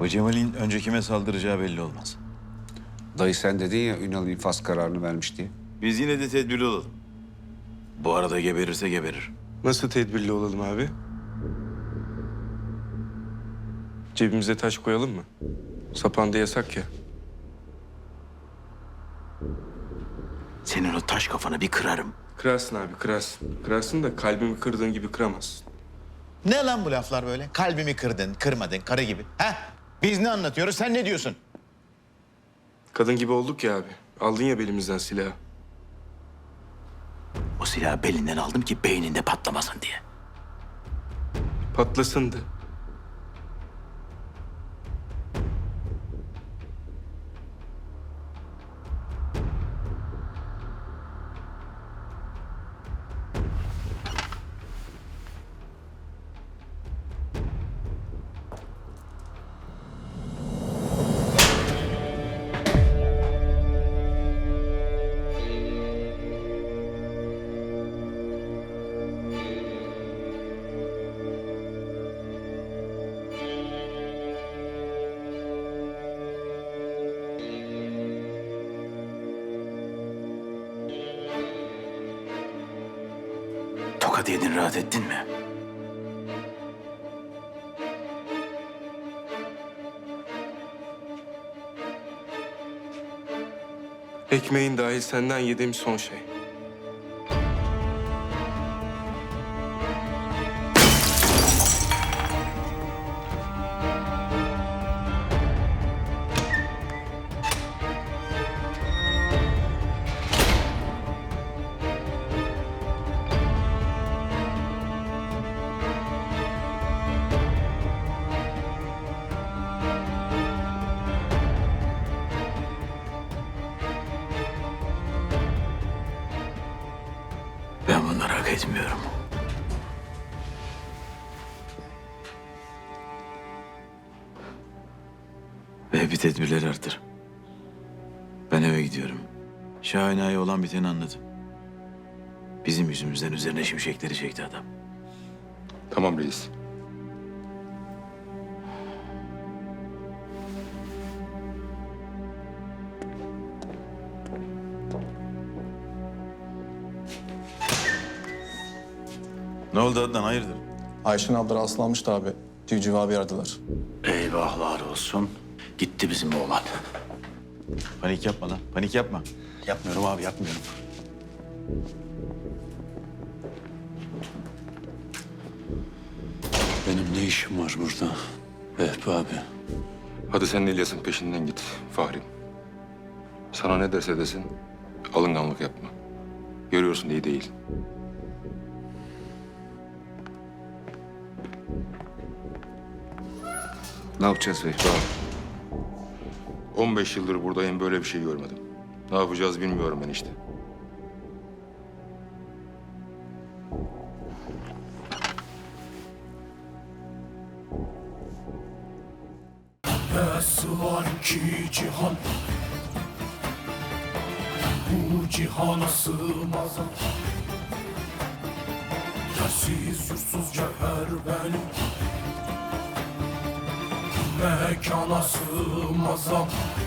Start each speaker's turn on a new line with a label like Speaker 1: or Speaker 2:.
Speaker 1: Bu Cemal'in önce kime saldıracağı belli olmaz.
Speaker 2: Dayı sen dedin ya Ünal infaz kararını vermiş diye.
Speaker 1: Biz yine de tedbirli olalım. Bu arada geberirse geberir.
Speaker 3: Nasıl tedbirli olalım abi? Cebimize taş koyalım mı? Sapanda yasak ya.
Speaker 1: Senin o taş kafanı bir kırarım.
Speaker 3: Kırarsın abi, kırarsın. Kırarsın da kalbimi kırdığın gibi kıramazsın.
Speaker 4: Ne lan bu laflar böyle? Kalbimi kırdın, kırmadın, karı gibi. Ha? Biz ne anlatıyoruz, sen ne diyorsun?
Speaker 3: Kadın gibi olduk ya abi. Aldın ya belimizden silahı.
Speaker 1: O silahı belinden aldım ki beyninde patlamasın diye.
Speaker 3: Patlasındı.
Speaker 1: Tokat yedin, rahat ettin mi?
Speaker 3: Ekmeğin dahil senden yediğim son şey.
Speaker 1: Ben bunları hak etmiyorum. Ve bir tedbirleri artır. Ben eve gidiyorum. Şahina'ya olan biteni anladım. Bizim yüzümüzden üzerine şimşekleri çekti adam.
Speaker 5: Tamam reis.
Speaker 1: Ne oldu Adnan, hayırdır?
Speaker 6: Ayşin abla rastlanmıştı abi. Civciv abi aradılar.
Speaker 1: Eyvahlar olsun. Gitti bizim oğlan. Panik yapma lan, panik yapma. Yapmıyorum abi, yapmıyorum.
Speaker 7: Benim ne işim var burada? Vehbi abi.
Speaker 5: Hadi sen İlyas'ın peşinden git Fahri. Sana ne derse desin alınganlık yapma. Görüyorsun iyi değil.
Speaker 2: Ne yapacağız Vehbi abi?
Speaker 5: 15 yıldır buradayım böyle bir şey görmedim. Ne yapacağız bilmiyorum ben işte.
Speaker 8: Nasıl var ki cihan, bu cihana sığmaz. Yersiz yursuz cevher benim, mekana sığmaz.